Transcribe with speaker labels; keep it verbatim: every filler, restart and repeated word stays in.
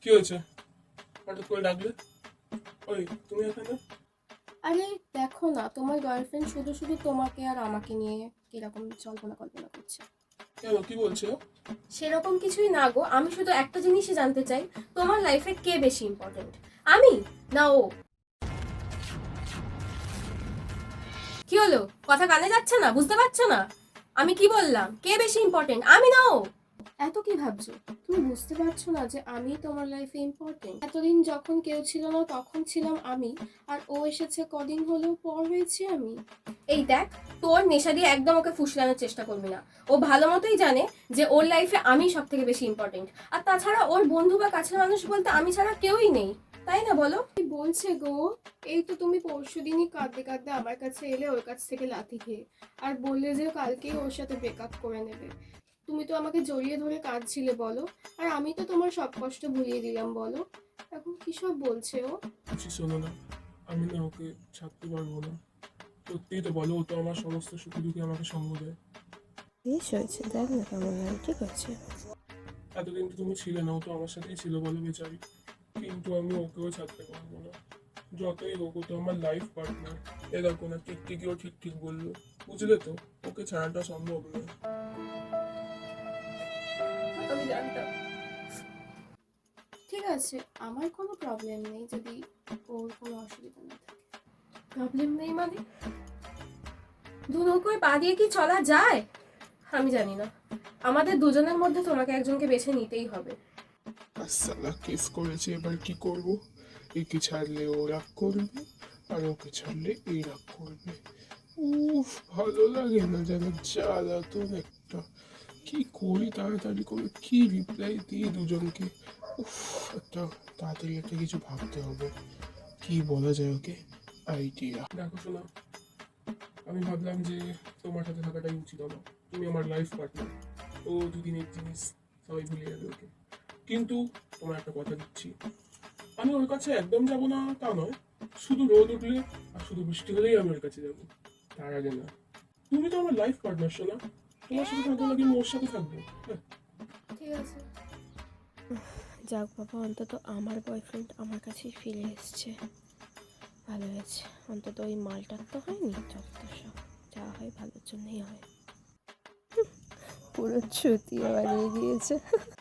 Speaker 1: কি হয়েছে? হঠাৎ করে ডাকলে? ওই তুমি এখানে?
Speaker 2: আরে দেখো না, তোমার গার্লফ্রেন্ড শুধু শুধু তোমাকে আর আমাকে নিয়ে কিরকম কল্পনা কল্পনা করছে।
Speaker 1: কেন, কি বলছো?
Speaker 2: সেরকম কিছুই না গো, আমি শুধু একটা জিনিসই জানতে চাই, তোমার লাইফে কে বেশি ইম্পর্টেন্ট, আমি না ও? কি হলো, কথা কানে যাচ্ছে না? বুঝতে পারছো না আমি কি বললাম? কে বেশি ইম্পর্টেন্ট, আমি না ও? এত কি ভাবছো? তুমি বুঝতে পারছো না যে আমি তোমার লাইফে ইম্পর্টেন্ট? এতদিন যখন কেউ ছিল না তখন ছিলাম আমি, আর ও এসেছে কদিন হলেও পর হয়েছে আমি। এই দেখ, তোর নেশা দিয়ে একদম ওকে ফুসলানোর চেষ্টা করবি না। ও ভালো মতোই জানে যে ওর লাইফে আমি সব থেকে বেশি ইম্পর্টেন্ট, আর তাছাড়া ওর বন্ধু বা কাছের মানুষ বলতে আমি ছাড়া কেউই নেই, তাই না বলো? কি বলছে গো? এই তো তুমি পরশু দিনই কাঁদতে কাঁদতে আমার কাছে এলে ওর কাছ থেকে লাথি খেয়ে, আর বললে যে কালকেই ওর সাথে ব্রেকআপ করে নেবে। তুমি তো আমাকে জড়িয়ে ধরে কাঁদছিলে বলো, আর আমি তো তোমার সব কষ্ট ভুলিয়ে দিলাম বলো। এখন কি সব বলছে ও?
Speaker 1: কিছু শোনো না, আমি না ওকে ছাড়তে পারবো না। সত্যিই তো বলো, ও তো আমার সমস্ত সুখে দুঃখে আমাকে সঙ্গ দেয়।
Speaker 3: বেশ হয়েছে, দেখ না কেমন লাগে, ঠিক আছে।
Speaker 1: এতদিন তো তুমি ছিলে না, ও তো আমার সাথেই ছিল বলো বেচারি। কিন্তু আমি ওকেও ছাড়তে পারবো না। যতই হোক, ও তো আমার লাইফ পার্টনার। এ দেখো না, ঠিক ঠিকই ও ঠিক ঠিক বললো। বুঝলে তো, ওকে ছাড়াটা সম্ভব নয়।
Speaker 2: আমি জানতাম। ঠিক আছে, আমার কোনো প্রবলেম নেই যদি ওর কোনো অসুবিধা না থাকে। প্রবলেম নেই মানে? দু নৌকোয় পা দিয়ে কি চলা যায়? আমি জানি না, আমাদের দুজনের মধ্যে তোমাকে একজনকে বেছে নিতেই হবে।
Speaker 1: সালা কেস করেছে, এবার কি করব? একে ছাড়লে ও রাগ করবে, আর ওকে ছাড়লে এই রাগ করবে। উফ, ভালো লাগে না যেন, জ্বালাতন একটা। কি করি তাড়াতাড়ি করে, কি রিপ্লাই দিই দুজনকে? উফ, একটা তাড়াতাড়ি একটা কিছু ভাবতে হবে। কি বলা যায় ওকে? আইডিয়া। দেখো শোনা, আমি ভাবলাম যে তোমার সাথে থাকাটাই উচিত আমার। তুমি আমার লাইফ পার্টনার। ও দুদিনের জিনিস, সবাই ভুলে যাবে ওকে। কিন্তু তোমার একটা কথা দিচ্ছি, আমি ওর কাছে একদম যাব না তা নয়। শুধু রোদ উঠলে আর শুধু বৃষ্টি হলেই আমি ওর কাছে যাবো, তার আগে না। তুমি তো আমার লাইফ পার্টনার, শোনা। তোমার সাথে থাকবো নাকি আমি ওর সাথে থাকবো? হ্যাঁ।
Speaker 2: ঠিক আছে।
Speaker 3: যাক বাবা, অন্তত আমার বয়ফ্রেন্ড আমার কাছেই ফিরে এসছে, ভালো হয়েছে। অন্তত ওই মালটার তো হয়নি, যত সব যা হয় ভালোর জন্যই হয়। পুরো ছুটিয়ে বানিয়ে দিয়েছে।